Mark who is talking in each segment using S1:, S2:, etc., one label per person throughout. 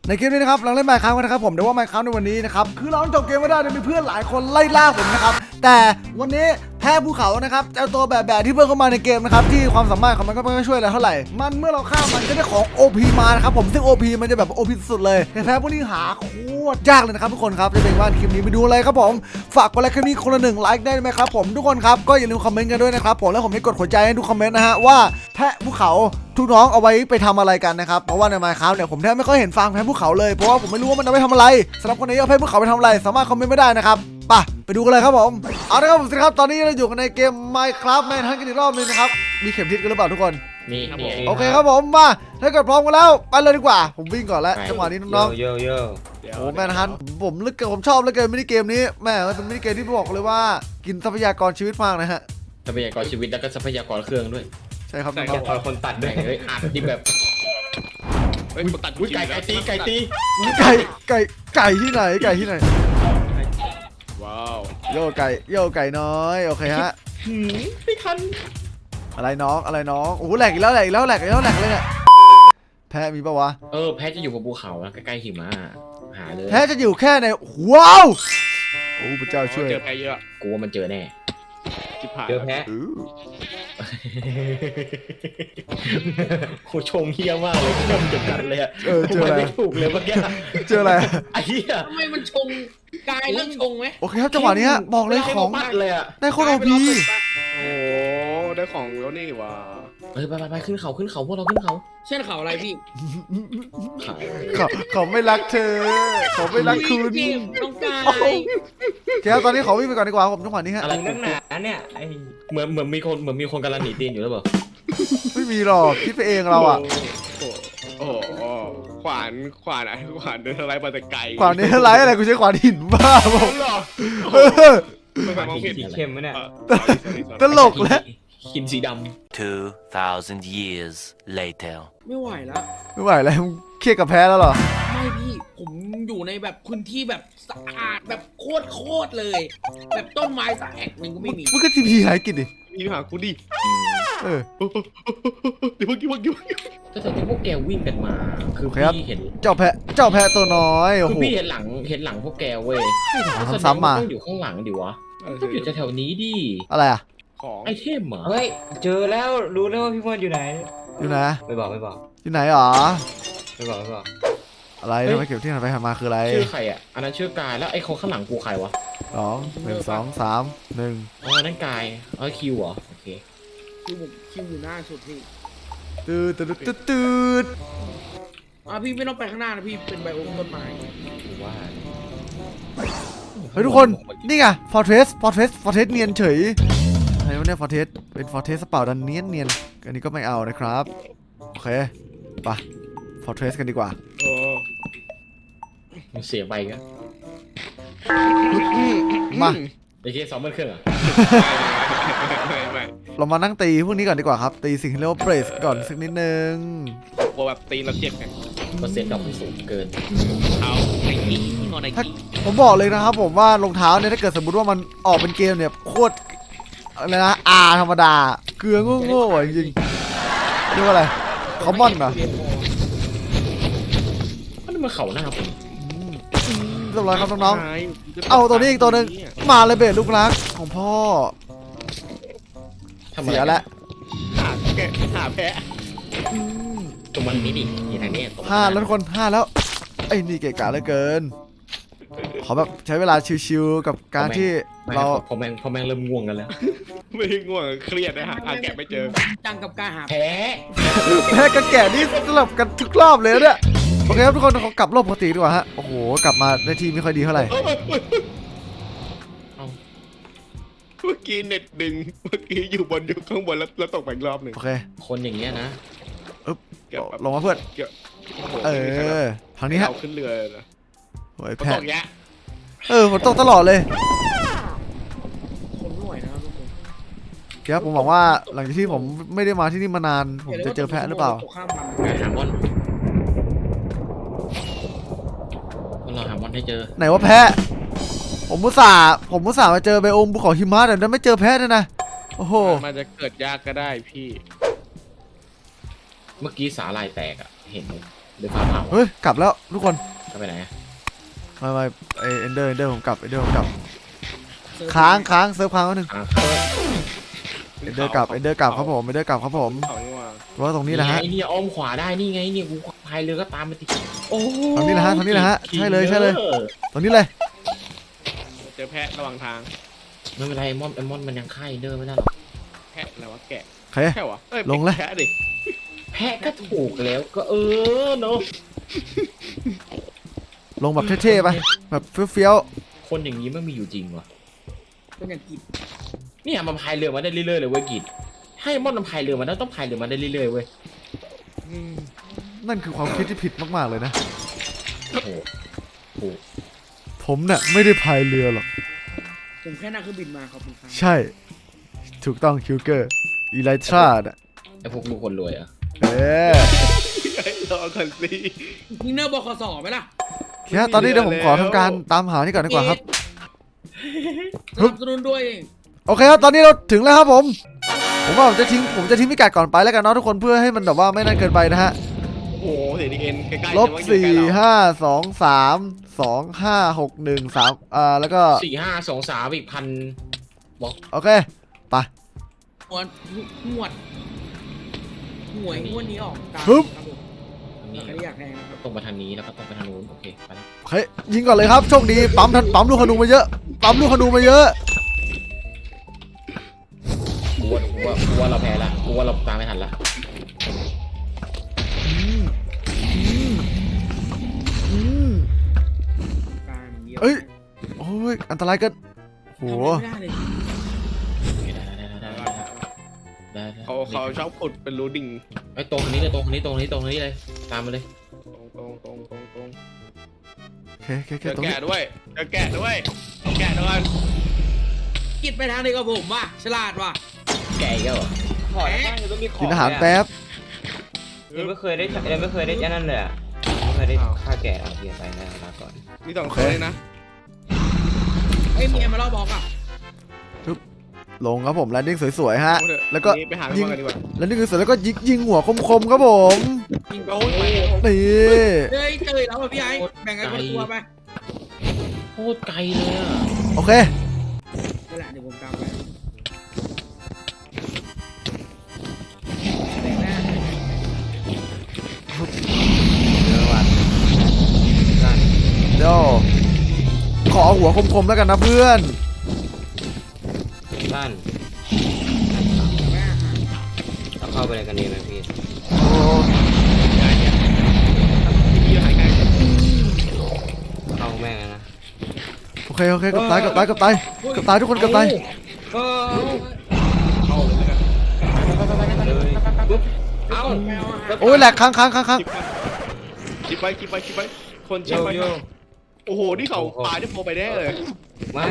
S1: ในเกมนี้นะครับเราเล่น Minecraft กันนะครับผมเดี๋ยวว่า Minecraft ในวันนี้นะครับคือเราจบเกมไม่ได้มีเพื่อนหลายคนไล่ล่าผมนะครับแต่วันนี้แพ้ภูเขานะครับเจ้าตัวแบบที่เพิ่มเข้ามาในเกมนะครับที่ความสามารถของมันก็ไม่ช่วยอะไรเท่าไหร่มันเมื่อเราฆ่ามันก็ได้ของ OP มานะครับผมซึ่ง OP มันจะแบบ OP สุดเลยแต่แพ้พวกนี้หาโคตรยากเลยนะครับทุกคนครับจะเป็นว่าคลิปนี้ไปดูเลยครับผมฝากกดไลค์คลิปนี้คนละ1ไลค์ได้ไหมครับผมทุกคนครับก็อย่าลืมคอมเมนต์กันด้วยนะครับผมแล้วผมได้กดหัวใจให้ทุกคอมเมนต์นะฮะว่าแพะภูเขาทุกน้องเอาไว้ไปทำอะไรกันนะครับเพราะว่าใน Minecraft เนี่ยผมแทบไม่ค่อยเห็นฟาร์มแพะภูเขาเลยเพราะว่าผมไม่รู้ว่ามันเอาไปทำอะไรสำหรับคนนี้เอาแพะภูเขาไปทำอะไรสามารถคอมเมนต์ไม่ได้นะครับไปดูกันเลยครับผมเอาละครับผมสิครับตอนนี้เราอยู่กันในเกม Minecraft แมนฮันต์กันอีกรอบนึงนะครับมีเข็มทิศกันหรือเปล่าทุกคน
S2: มี
S1: โอเคครับผมมาถ้าเกิดพร้อมกันแล้วไปเลยดีกว่าผมวิ่งก่อนแล้วจังหวะนี้น้องๆโอ้แมนฮันต์ผมลึกเกินผมชอบเหลือเกินมินิเกมนี้แม่มันเป็นมินิเกมที่บอกเลยว่ากินทรัพยากรชีวิตมากนะฮะ
S2: ทรัพยากรชีวิตแล้วก็ทรัพยากรเครื่องด้วย
S1: ใช่ครับน้อง
S2: ๆคนตัดด้วยอัดที่แบบ
S3: คนตัด
S2: ไก่ตี
S1: ไก่ที่ไหน
S3: ว้าว
S1: โยไก่น้อยโอเคฮะ
S2: ไม่ทัน
S1: อะไรน้องโอ้แหลกอีกแล้วเลยเนี่ยแพ้มีปะวะ
S2: แพ้จะอยู่บนภูเขาแล้วใกล้ๆหิมะหาเลย
S1: แพ้จะอยู่แค่ในว้าวโอ้พระเจ้าช่วย
S3: เจอแพ้เยอะ
S2: กูว่ามันเจอแน่
S3: เจอแพ้
S2: โคชงเฮี้ยมากเลยชงจนกันเลย
S1: เจออะไร
S2: ไม่ถูกเลยเมื่อกี้
S1: เจออะไร
S2: ไอ้เหี้ย
S4: ทำไมมันชงกายเรื่องชงไหม
S1: โอเคครับจังหวะนี้บอกเลยของ
S2: เลยอะ
S1: ได้โคตร OP
S3: โอ้ได้ของแล้วนี่ว่ะ
S2: ไปขึ้นเขาพวกเราขึ้นเขา
S4: เช่นเขาอะไรพี่
S1: เขาไม่รักเธอเขาไม่รักคุณ
S4: น้องกาย
S1: แกตอนนี้ขอวิ่งไปก่อนดีกว่าผมจังหวะนี้ฮะ
S2: อะไรนั่นน่ะเนี่ยไอเหมือนมีคนกำลังหนีตีนอยู่หรือเปล่า
S1: ไม่มีหรอกคิดไปเองเราอ่ะ
S3: โอ้ขวานเดินอะไรมาแต่ไกล
S1: ขวานนี้อะไรกูใช้ขวานหินบ้าบอก
S3: ไม่มองเห็น
S2: เข้มไหมเนี่ย
S1: ตลกแล้ว
S2: หินสีด
S5: ำ2,000 years later
S4: ไม่ไหวแล้ว
S1: เครียดกับแพ้แล้วเหรอ
S4: ไม่พี่ผมอยู่ในแบบพื้นที่แบบสะอาดแบบโคตรเลยแบบต้นไม้สักแอกนึงก็ไม่มี
S1: มึงก็ทีพีหายกินดิ
S3: มีหากูดิเดี๋ยวเมื่อกี้
S2: ก็แต่ที่พวกแกวิ่งกันมาคือพี่เห็น
S1: เจ้าแพะตัวน้อย
S2: คือพี่เห็นหลังพวกแกเว้ย
S1: ซ้ำมา
S2: ต้องอยู่ข้างหลังดิวะต้องอยู่แถวนี้ดิ
S1: อะไรอะ
S2: ไอเทมเหรอ
S6: เฮ้ยเจอแล้วรู้แล้วว่าพี่มอนอยู่ไหนไม่บอก
S1: อยู่ไหนหรอ
S6: ไม่บอก
S1: อะไรทำไมเก็บที่ไหนไปหามาคืออะไร
S2: ชื่อใครอ่ะอันนั้นชื่อกายแล้วไอ้คนข้างหลังกูใครวะ
S1: 1 2 3 1
S2: อ๋อนั่นกายคิวเหรอโอเค
S4: คิวอยู่หน้าสุดพี่
S1: ตืด
S4: พี่ไม่ต้องไปข้างหน้านะพี่เป็นไบโอมต้นไม้
S2: ว่า
S1: เฮ้ยทุกคนนี่ไงฟอร์เทสเนียนเฉยอะไรวะเนี่ยฟอร์เทสเป็นฟอร์เทสเปล่าดันเนียนอันนี้ก็ไม่เอานะครับโอเคไปฟอร์เทสกันดีกว่า
S2: เสียไปกัน
S1: มา
S2: ไอเค2 เครื่องอ่ะ
S1: เรามานั่งตีพวกนี้ก่อนดีกว่าครับตีสิ่งที่เรียกว่าเบรสก่อนสักนิดนึง
S3: กลัวแบบตีแล้วเจ็บไง
S2: เปอร์เซ็นต์ดอกมันสูงเกิน
S1: ถ้าผมบอกเลยนะครับผมว่ารองเท้าเนี่ยถ้าเกิดสมมติว่ามันออกเป็นเกมเนี่ยโคตรอะไรนะธรรมดาเกลือโง่จริงเรียกว่าอะไรคอมมอนเหรอ
S2: มันเขาหน้าผม
S1: เรียบร้อยครับน้องๆเอาตัวนี้อีกตัวนึงมาเลยเบสลูกรักของพ่อเสียแล้ว
S3: หาแพะ
S2: ตัวมันนี่ดิที่ทางนี้
S1: 5แล้วทุกคน5แล้วไอ้นี่เกะกะเหลือเกินขอแบบใช้เวลาชิวๆกับการที่เรา
S2: พอแม่งเริ่มง่วงกันแล้ว
S3: ไม่ง่วงเครียดนะฮะแกะไม่เจอ
S4: จังกับการหา
S2: แ
S1: พ้กับแกะนี่สลับกันทุกรอบเลยเนี่ยโอเคครับทุกคนเขากลับรอบปกติดีกว่าฮะโอ้โหกลับมาได้ที่ไม่ค่อยดีเท่าไหร่
S3: เมื่อกี้เน็ตดึงเมื่อกี้อยู่ข้างบนแล้วตกไปอีกรอบหนึ่ง
S1: โอเค
S2: คนอย่างเงี้ยนะ
S1: ลงมาเพื่อนทางนี้ฮะ
S3: ขึ้นเรือนะ
S1: โอ้ยแพ้ฝนตกตลอดเลย
S4: คนไม่ไหวนะทุกคน
S1: เดี๋ยวผมบอกว่าหลังจากที่ผมไม่ได้มาที่นี่มานานผมจะเจอแพะหรือเปล่า
S2: หาบอลเราหาบอลให้เจอ
S1: ไหนว่าแพะผมมุสามาเจอไบโอมภูเขาหิมะแต่นั้นไม่เจอแพะเลยนะโอ้โห
S3: มันจะเกิดยากก็ได้พี่
S2: เมื่อกี้สาลายแตกอ่ะเห็นเดี๋ยวฟ้าผ่า
S1: เฮ้ยกลับแล้วทุกคน
S2: จะไปไหน
S1: ไม่เอนเดอร์ผมกลับค้างเซิร์ฟค้างนิดนึง เอนเดอร์กลับครับผมครับผม
S3: เขานี่ว่า
S1: ว่าตรงนี้นะฮะ
S2: นี่อ้อมขวาได้นี่ไงเนี่ยกูพายเรือก็ตามไปติโอ้
S1: ตรงนี้นะฮะใช่เลยตรงนี้เลย
S3: เจอแพะระหว่างทาง
S2: ไม่เป็นไรไอ้มอนมันยังฆ่าเดอร์ไม่ได้หรอก
S3: แพะอะไรวะแกะ
S1: โอเค
S3: แค่วะอ้
S1: ลงเลย
S3: แพะดิ
S2: แพะก็ถูกแล้วก็เนาะ
S1: ลงแบบเท่ๆไปแบบเฟี้ยว
S2: คนอย่างนี้ไม่มีอยู่จริงวะ
S4: เป็นอย่างกิน
S2: เนี่ยมันพายเรือมาได้เรื่อยๆเลยเว้ยกิจให้มอนมันพายเรือมาได้ต้องพายเรือมาได้เรื่อยๆเว้ย
S1: ๆนั่นคือความคิดที่ผิดมากๆเลยนะ
S2: โอ้โห
S1: ผมน่ะไม่ได้พายเรือหรอก
S4: ผมแค่นั่งเครื่องบินมาขอบคุณครับ
S1: ใช่ ถูกต้องคิวเกอร์อีไลทราน่ะ
S2: ไอพวกลูกคนรวยอะ
S1: เอ๊ะ
S3: รอก่อนสิ
S4: นี่เนอร์บคสไหมล่ะ
S1: แค่ตอนนี้เดี๋ยวผมขอทำการตามหานี่ก่อนดีกว่าครับ
S4: สนับสนุนด้วย
S1: โอเคครับตอนนี้เราถึงแล้วครับผมว่าผมจะทิ้งพิกัดก่อนไปแล้วกันเนาะทุกคนเพื่อให้มันแบบว่าไม่นั่นเกินไปนะฮะ
S3: โอ้โหเสียดีเอ็นใกล้ๆ
S1: ลบ
S3: แต่ว่าอยู่ใกล้เรา
S1: 4 5 2 3 2 5 6 1 3แล้วก็
S2: 4 5 2 3อีก1,000บอก
S1: โอเคไป
S4: หวดหวยงวดนี้ออกตาม
S1: ฮึบ
S4: ครับผม
S2: นี่
S4: ใครอยากแทงนะครับ
S2: ตรงไปทางนี้แล้วก็ตรงไปทางนู้นโอเคไปแล้ว
S1: โอเคยิงก่อนเลยครับโชคดีปั๊มลูกขนูมาเยอะ
S2: กูว่าเราแพ้ละกูว่าเราตามไม่ทันละ
S4: การเดียว
S1: เอ้ยโอ้ยอันตรายเกินโห
S4: ทำอะไรไม่ได้เลย
S2: ได้
S3: เขาชอบขุดเป็นรูดิ่ง
S2: ไอ้ตรงนี้เลยตรงนี้เลยตามมาเลย
S3: ตรง
S1: โอเค
S3: เจอ
S1: ตรงนี้
S3: แกะด้วยเอาแกะด้วย
S4: กิดไปทางเดียวกับผมว่ะฉลาดว่ะ
S2: แกอีกแล้วเหรอ
S6: ขอได้บ้างยังต้องมีของ
S1: กินอาหารแป๊บ
S6: ยังไม่เคยได้ยันนั่นเลยอ่ะไม่เคยได้ฆ่าแกะเอาเพียไปนะลาก่อน
S3: มี2คนเลยนะ
S4: เอ้ยเมียมาล่อบอกอ่ะ
S1: ลงครับผมแลนดิ้งสวยๆฮะ
S3: เอาเถอะ
S1: แล้วก็
S3: วันนี้ไปหาพี่บอลกันดีกว่า
S1: แลนดิ้งสวยๆแล้วก็ยิงหัวคมๆครับผม
S4: ยิง
S3: โอ้
S4: โอ้
S3: ย
S4: ย
S1: นี่
S4: เฮ้ยเจอแล้วอ่ะพี่ไอ้แบ่งกันคนละตัวไป
S2: โคตรไกลเลยอ่ะ
S1: โอเค
S4: นั่นแหละเดี๋ยวผมตามไปแบ่งหน้า
S1: เดี๋ยวขอหัวคมๆแล้วกันนะเพื่อน
S6: บ้าน
S4: แม่หา
S6: เราเข้าไปในกันดีไหมพี่
S1: โอ้
S3: พี่หายไกล
S6: เข้าแม่งนะ
S1: โอเคกับตายทุกคนกับตาย
S6: ก็
S3: เข้าเลยแล้วกัน
S6: เลยปุ๊บเอ้า
S4: แมวอ่ะ
S1: โอ้ยแหลกค้าง
S3: คิดไปคนชิปไปโอ้โหนี่เขาปลาจะโผล่ไปแน่เลย
S6: ไม่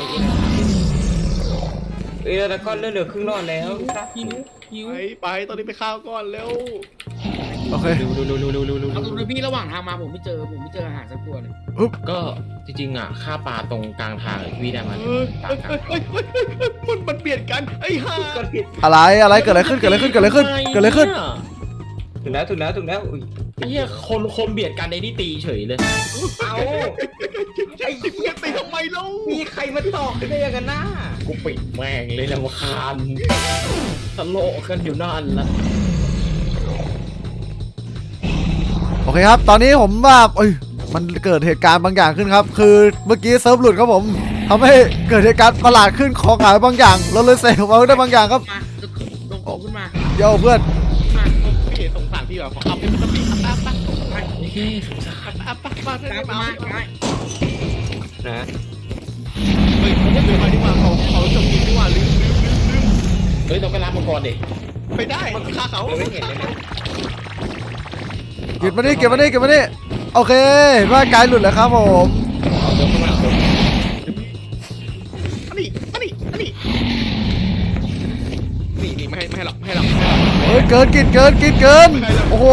S6: แล้วก็เหลือครึ่งรอดแล้ว
S4: หิว
S3: ไปตอนนี้ไปข้าวก่อนเร็ว
S1: โอเค
S2: ดู
S4: เอาดูนะพี่ระหว่างทางมาผมไม่เจออาหารสักตัวเลย
S2: ก็จริงๆอ่ะฆ่าปลาตรงกลางทางพี่ได้มา
S3: เฮ้ย
S2: ตามทาง
S3: มันเปลี่ยนกันไอ้ห่า
S1: อะไรเกิดอะไรขึ้น
S2: ถึง
S6: แล้วอุ้ย
S2: ไอ้เหี้ยคนเบียดกันในนี่ตีเฉยเลย
S6: เอา
S3: ไอ้สิบเงี้ยตีทำไมเล่า
S6: มีใครมาตอกได้ยังกันหน้า
S2: กูปิดแม่งเลยนะว่าคานทะโลกันอยู่นั่นละ
S1: โอเคครับ ตอนนี้ผมว่ามันเกิดเหตุการณ์บางอย่างขึ้นครับ คือเมื่อกี้เซิร์ฟหลุดครับผมทำให้เกิดเหตุการณ์ประหลาดขึ้นของหายบางอย่าง เราเลยเสกเอาได้บางอย่างครับ
S4: มาลงของขึ้นมา
S1: โย่เพื่อน
S4: มา
S3: พี่สงสารพี่แบบขอเอาเป็นสปีดอัพ
S2: โอเคสงสาร
S3: อัพ
S4: ตามมาได้
S6: นะ
S3: เฮ้ยเขาไม่เดินมาดีกว่าเขาจบกินดีกว่าลืม
S2: เฮ้ยต้องไปรับมังกรดิ
S3: ไปได้ฆ่าเขา
S6: ไม่เห็นเลยนะ
S1: เก็บมาดิโอเคร่างกายหลุดแล้วครับผม
S2: เอาเดินเข้ามาเอา
S3: อันนี้ไม่ให้หรอก
S1: เฮ้ยเกินโอ้โห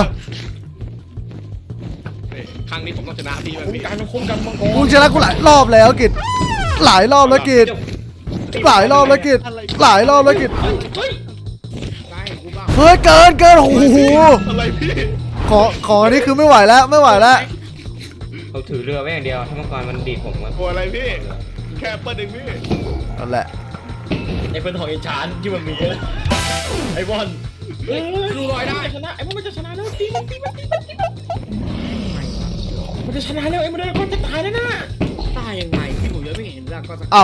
S3: ครั้งนี้ผมต้องชนะพี่แบบ
S2: คุ้ม
S3: นี้
S2: กันมังกร
S1: กูชนะกูหลายรอบแล้วกิจหลายรอบแล้วกิจ
S4: ได้กูบ้าง
S1: เฮ้ยเกินโอ้โห
S3: อะไรพี่
S1: ขอนี่คือไม่ไหวแล้วไม่ไหวแล้ว
S6: เขาถือเรือไว้อย่างเดียวถ้ามังกรมันดีดผมก็
S3: โอ้อะไรพี่แค่เปิดหนึ่งพี่
S1: นั่นแหละ
S2: ไอ้เป็นของไอ้ชานที่มันมีเยอะไอ้บอล
S4: เฮ้ยดูรอยได้
S2: ชนะไอ้บอลมันจะชนะแล้วตีมันจะชนะแล้วไอ้มันจะตายแล้วนะ
S4: ตายยังไงพี่ผมยังไม่เห็นแล้วก็สัก
S1: เอ้า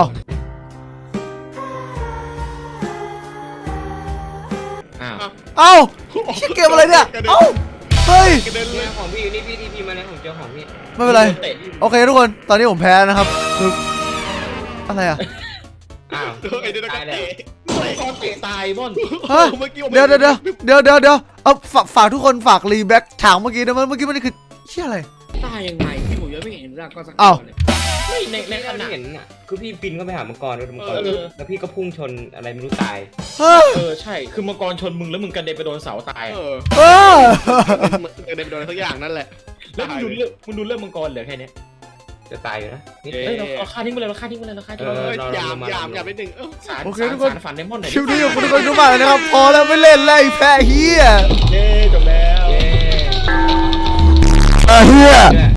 S2: อ้าว
S1: เอ้าเกมอะไรเนี่ยเอ้าเฮ้ย
S3: กระเด็นเล
S6: เนี่ย ยของพี่อยู่นี่พี่ทีพีมาแล้วผมเจอของพี่
S1: ไม่เป็นไร
S2: เตะ
S1: โอเคทุกคนตอนนี้ผมแพ้นะครับคืออะไรอ่ะ
S6: อ้าว
S3: ไอ้เด็ก
S6: ตายแล้ว
S3: เตะ
S2: ไอ้บอลเตะตายบอล
S1: ฮะ
S3: เมื่อกี้
S1: เดี๋ยวเอาฝากทุกคนฝากรีแบ็กฉากเมื่อกี้นะเมื่อกี้มันคือเชี่ยอะไร
S4: ตายยังไงพี่ผมยังไม่เห็นแล้วก็สัก
S1: อ้าว
S2: ไม่ใน
S6: ใน
S2: ข
S6: ขณะ
S2: ณะ
S6: เห็นอ่ะคือพี่บินเข้าไปหามังกรด้วยมังกร
S2: เออ
S6: แล้วพี่ก็พุ่งชนอะไรไม่รู้ตาย
S1: เฮ้ย
S2: ใช่คือมังกรชนมึงแล้วมึงกระเด็นไปโดนเสาตาย
S3: เออ
S1: เฮ้ย
S3: กระเด็นไปโดนอะไรสักอย่างนั่นแหละ
S2: แล้วมึงดูเรื่องมังกรเหลือแค่นี้
S6: จะตายอยู่นะนี่
S3: เอ๊ะ
S2: เฮ้ยเราฆ่าทิ้งไปเลยเราฆ่าทิ้งไปเลยเราฆ่าทิ้งไป
S3: เอ
S2: เลย
S3: อหยามนิดนึง
S2: สาร
S1: โอเค
S2: สาร
S1: ทุกคน
S2: สารฝันไดมอนด์หน่อย
S1: คลิปนี้ขอบคุณทุกคนทุกมากเลยนะครับพอแล้วไม่เล่นแล้วไอ้แพ้เฮีย
S2: เย้จบแล้ว
S6: เย้
S1: เฮีย
S6: เนี่ย